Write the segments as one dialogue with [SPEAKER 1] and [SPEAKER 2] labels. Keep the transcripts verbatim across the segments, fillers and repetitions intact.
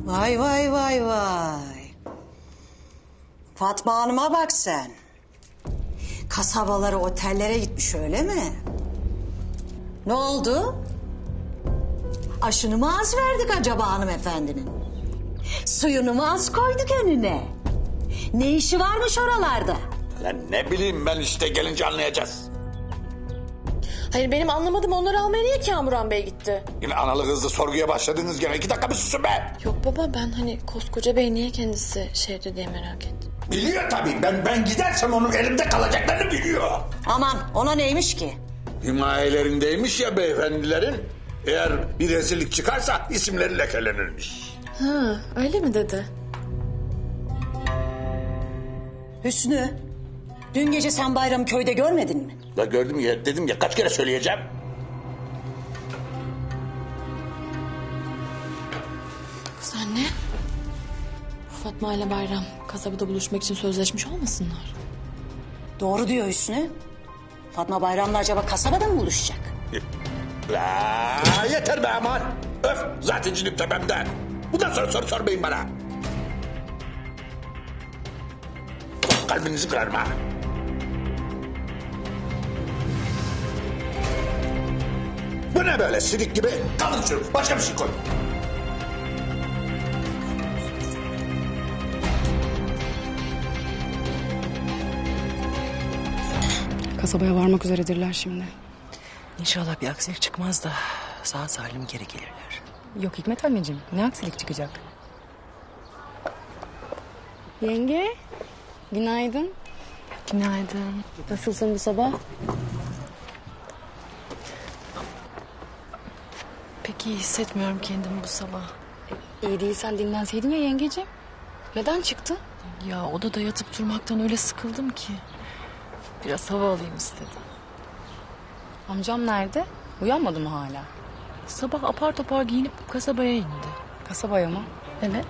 [SPEAKER 1] Vay vay vay vay. Fatma Hanım'a bak sen. Kasabalara, otellere gitmiş öyle mi? Ne oldu? Aşını mı az verdik acaba hanımefendinin? Suyunu mu az koyduk önüne? Ne işi varmış oralarda?
[SPEAKER 2] Lan ne bileyim ben işte gelince anlayacağız.
[SPEAKER 3] Hayır benim anlamadım onları almaya niye Kamuran Bey gitti?
[SPEAKER 2] Yine analı kızlı sorguya başladınız gene. İki dakika bir susun be.
[SPEAKER 3] Yok baba ben hani koskoca bey niye kendisi şehirde diye merak ettim.
[SPEAKER 2] Biliyor tabii. Ben ben gidersem onun elimde kalacaklarını biliyor.
[SPEAKER 1] Aman ona neymiş ki?
[SPEAKER 2] Himayelerindeymiş ya beyefendilerin. Eğer bir rezillik çıkarsa isimleri lekelenirmiş.
[SPEAKER 3] Ha öyle mi dedi?
[SPEAKER 1] Hüsnü, dün gece sen Bayram'ı köyde görmedin mi?
[SPEAKER 2] Da gördüm ya, dedim ya, kaç kere söyleyeceğim.
[SPEAKER 3] Kız anne. Fatma ile Bayram kasabada buluşmak için sözleşmiş olmasınlar?
[SPEAKER 1] Doğru diyor Hüsnü. Fatma Bayram'la acaba kasabada mı buluşacak?
[SPEAKER 2] La yeter be aman. Öf, zaten cinim tepemde. Bundan sonra soru sormayın bana. Kalbinizi kırarım ha. Bu ne böyle sidik gibi? Kalın şunu, başka bir şey koy.
[SPEAKER 4] Kasabaya varmak üzeredirler şimdi.
[SPEAKER 5] İnşallah bir aksilik çıkmaz da sağ salim geri gelirler.
[SPEAKER 4] Yok Hikmet anneciğim, ne aksilik çıkacak? Yenge, günaydın.
[SPEAKER 3] Günaydın.
[SPEAKER 4] Nasılsın bu sabah?
[SPEAKER 3] Pek iyi hissetmiyorum kendimi bu sabah.
[SPEAKER 4] İyi değilsen dinlenseydin ya yengeciğim. Neden çıktın?
[SPEAKER 3] Ya odada yatıp durmaktan öyle sıkıldım ki. Biraz hava alayım istedim.
[SPEAKER 4] Amcam nerede? Uyanmadı mı hala?
[SPEAKER 3] Sabah apar topar giyinip kasabaya indi.
[SPEAKER 4] Kasabaya mı?
[SPEAKER 3] Evet.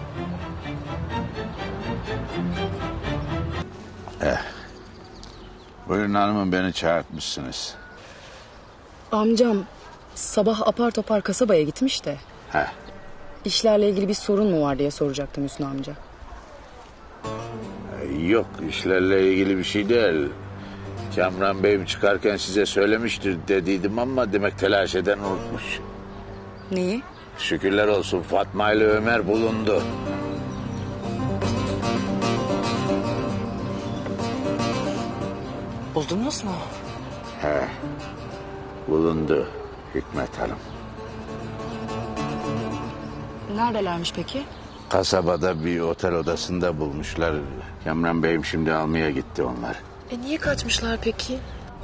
[SPEAKER 6] Buyurun hanımım, beni çağırtmışsınız.
[SPEAKER 4] Amcam sabah apar topar kasabaya gitmiş de.
[SPEAKER 6] Heh.
[SPEAKER 4] İşlerle ilgili bir sorun mu var diye soracaktım Hüsnü amca.
[SPEAKER 6] Yok, işlerle ilgili bir şey değil. Kamran Bey'im çıkarken size söylemiştir dediydim ama demek telaş eden unutmuş.
[SPEAKER 4] Neyi?
[SPEAKER 6] Şükürler olsun, Fatma ile Ömer bulundu.
[SPEAKER 5] Buldunuz mu?
[SPEAKER 6] He, bulundu Hikmet Hanım.
[SPEAKER 4] Neredelermiş peki?
[SPEAKER 6] Kasabada bir otel odasında bulmuşlar. Kamran Bey'im şimdi almaya gitti onlar.
[SPEAKER 3] E niye kaçmışlar peki?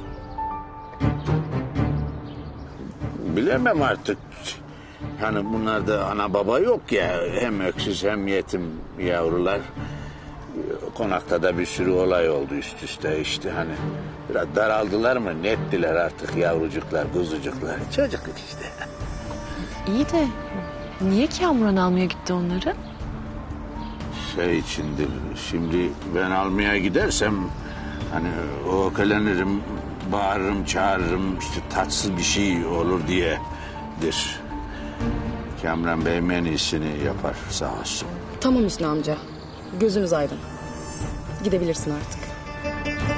[SPEAKER 6] Bilemem artık. Hani bunlarda ana baba yok ya. Hem öksüz hem yetim yavrular. Konakta da bir sürü olay oldu üst üste işte hani. Biraz daraldılar mı nettiler artık yavrucuklar, kuzucuklar. Çocukluk işte.
[SPEAKER 3] İyi de niye Kamuran almaya gitti onları?
[SPEAKER 6] Şey içindir, şimdi ben almaya gidersem hani o ökelenirim, bağırırım, çağırırım, işte tatsız bir şey olur diyedir. Kamran Bey en iyisini yapar sağ olsun.
[SPEAKER 4] Tamam Hüsnü amca. Gözümüz aydın. Gidebilirsin artık.